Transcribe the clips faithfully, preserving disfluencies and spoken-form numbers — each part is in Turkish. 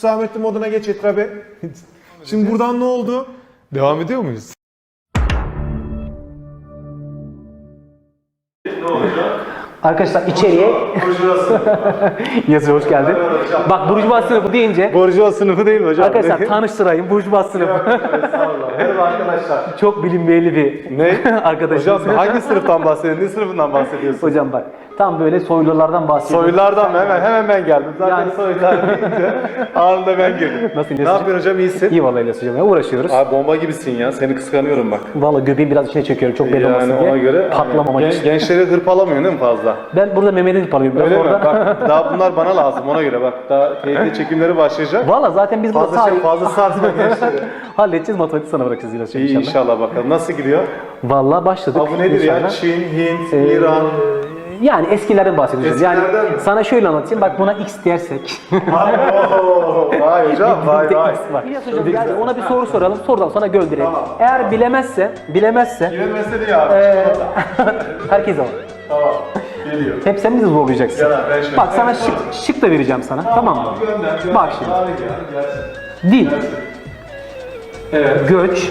Hüsamettin moduna geç Etra Bey. Şimdi buradan ne oldu? Devam ediyor muyuz? Ne olacak? Arkadaşlar içeriye yazıyor, hoş geldin. Bak burjuva sınıfı deyince Burjuva sınıfı değil mi hocam? arkadaşlar tanıştırayım, burjuva sınıfı. Merhaba arkadaşlar. Çok bilinmeyeli bir Ne? arkadaşımız. Hocam hangi sınıftan bahsediyorsun? Ne sınıfından bahsediyorsun? Hocam bak tam böyle soylulardan bahsediyorum. Soylulardan mı? Hemen, hemen ben geldim. Zaten Yani- soylular deyince anında ben girdim. Nasıl Ne İlyas yapıyorsun hocam? İyisin? İyi vallahi İlyas hocam ya, uğraşıyoruz. Abi bomba gibisin ya. Seni kıskanıyorum bak. Vallahi göbeğim biraz içine çekiyorum çok belli olmasın Yani diye. ona göre Patlamamak gen- için. gençleri hırpalamıyorsun değil mi fazla? Ben burada Mehmet'in parlıyorum. Öyle mi? orada. Bak daha bunlar bana lazım ona göre bak. Daha T Y T çekimleri başlayacak. Valla zaten biz burada Fazla şey tarih fazla sarsma gençleri. halledeceğiz, matematik sana bırakacağız İlyas hocam İyi inşallah. inşallah bakalım. Nasıl gidiyor? Valla başladık. Abi bu nedir inşallah. ya? Çin, Hint, Ee, İran. Yani eskilerden bahsediyoruz. Yani Eskilerden mi? sana şöyle anlatayım. Bak buna X dersek. Oo, vay hocam vay Bizde vay. X var. İlyas hocam gel ona bir soru soralım. Sorudan sonra gönderelim. Tamam. Eğer bilemezse, bilemezse Yine mesele abi. eee herkes var. Tamam. Geliyor. Hep sen bizi zorlayacaksın. Gel abi, ben şöyle- Bak sana Evet, şık, şık da vereceğim sana. Tamam mı? Gönder, gönder. Bak şimdi. Abi gel, gelsin. Dil, Evet. göç,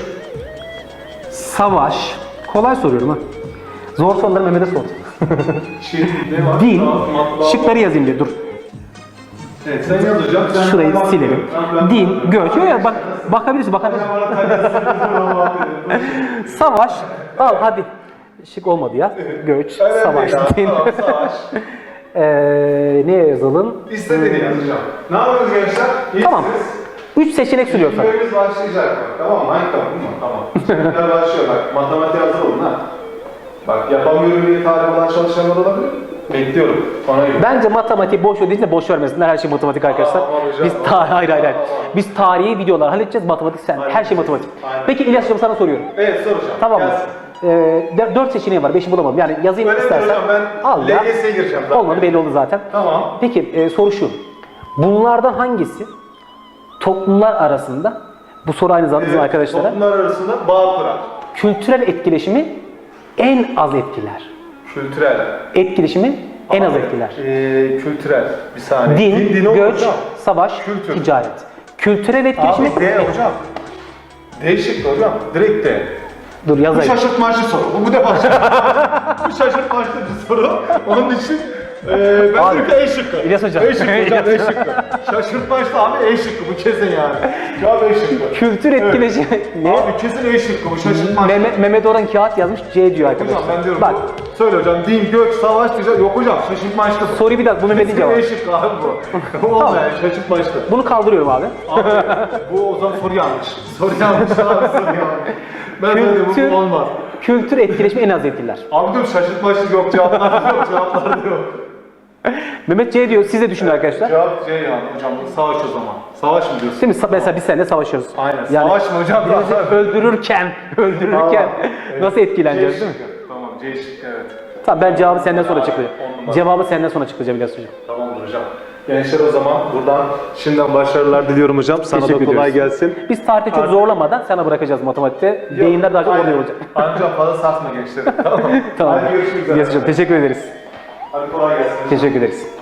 savaş. Kolay soruyorum ha. Zor soruları Mehmet'e sor. Çin, ne var? Din, Tamam, matbaa- şıkları yazayım diye dur. Evet, sen yaz hocam. Sen Şurayı bana- silelim. Ben- Din, göç. Yok ya bak bakabilirsin, bakabilirsin. Bana tabii- Savaş. Al hadi. Şık olmadı ya. Göç, Önemli savaş, ya, din. tamam, savaş. Ee, neye yazalım? İstediğini yazacağım. Ne yapıyoruz gençler? İyisiniz? Tamı Üç seçenek sunuyor sana. Videomuz başlayacak bak. Tamam mı? Hangi tamam mı? Tamam. Seçenekler başlıyor bak. Matematiğe hazır olun ha. Bak yapamıyorum diye tarih olan çalışanlar olabilir. Bekliyorum. Ona göre. Bence matematik boş ödeyince boş vermesinler. Her şey matematik arkadaşlar. Aa, var hocam, Biz var. ta hayır hayır hayır. Var, var. Biz tarihi videolar halledeceğiz. Matematik sen. Her şey matematik. Aynen. Peki İlyas hocam sana soruyorum. Evet soracağım. Tamam mı? Gelsin. Ee, dört seçeneği var. Beşi bulamadım. Yani yazayım Önemli istersen. hocam, ben Al ya. L G S'ye gireceğim zaten. Olmadı, belli oldu zaten. Tamam. Peki e, soru şu. Bunlardan hangisi toplumlar arasında, bu soru aynı zamanda bizim Evet, arkadaşlara, toplumlar arasında bağ kurar. kültürel etkileşimi en az etkiler? Kültürel. Etkileşimi en az Abi, etkiler. Ee, kültürel. Bir saniye. Din, din o göç, hocam. savaş, Kültür. ticaret. Kültürel etkileşimi... Abi D hocam. Değişik hocam. Direkt D. Dur Bu yazayım. şaşırtmaçlı soru. Bu, bu defa bu şaşırtmaçlı bir soru. Onun için e, ben Abi, diyorum ki E şıkkı. İlyas hocam. E şıkkı hocam, E şıkkı. Şaşırtmaçlı abi E şıkkı bu kesin yani. Cevap E şıkkı. Kültür etkileşimi... Ne? Abi kesin E şıkkı bu şaşırtmaçlı. Mehmet, Mehmet Orhan kağıt yazmış, C diyor arkadaşlar. Hocam ben diyorum Bak, bu. Söyle hocam din, göç, savaş, ticaret. Yok hocam şaşırtmaçlı bu. soruyu bir dakika, bu Mehmet'in Kesin cevabı. E şıkkı abi bu. Olmayan şaşırtmaçlı. Bunu kaldırıyorum abi. Abi bu o zaman soru yanlış. Soru yanlış abi soru yanlış. Ben dedim bu, bu olmaz. Kültür etkileşimi en az etkiler. Abi diyorum şaşırtmaçlı yok cevaplar yok cevaplar yok. Mehmet C diyor, siz de düşünün arkadaşlar. Cevap C yani hocam savaş o zaman. Savaş mı diyorsun? Değil mi? Mesela biz seninle savaşıyoruz. Aynen. Yani Savaş mı hocam? bizi öldürürken, öldürürken Tamam. nasıl etkileneceğiz değil mi? şıkkı. Tamam C şıkkı evet. Tamam, ben cevabı senden sonra Abi, açıklayacağım. on numara. Cevabı senden sonra açıklayacağım İlyas hocam. Tamamdır hocam. Gençler o zaman buradan şimdiden başarılar diliyorum hocam. Sana Teşekkür da kolay ediyoruz. gelsin. Biz tarihte çok Artık- zorlamadan sana bırakacağız matematikte. Beyinler daha çok Aynen. oluyor olacak. Ancak fazla sarsma gençleri. Tamam. Tamam. Hadi görüşmek üzere. İlyas hocam teşekkür ederiz. Hadi kolay gelsin. Teşekkür ederiz.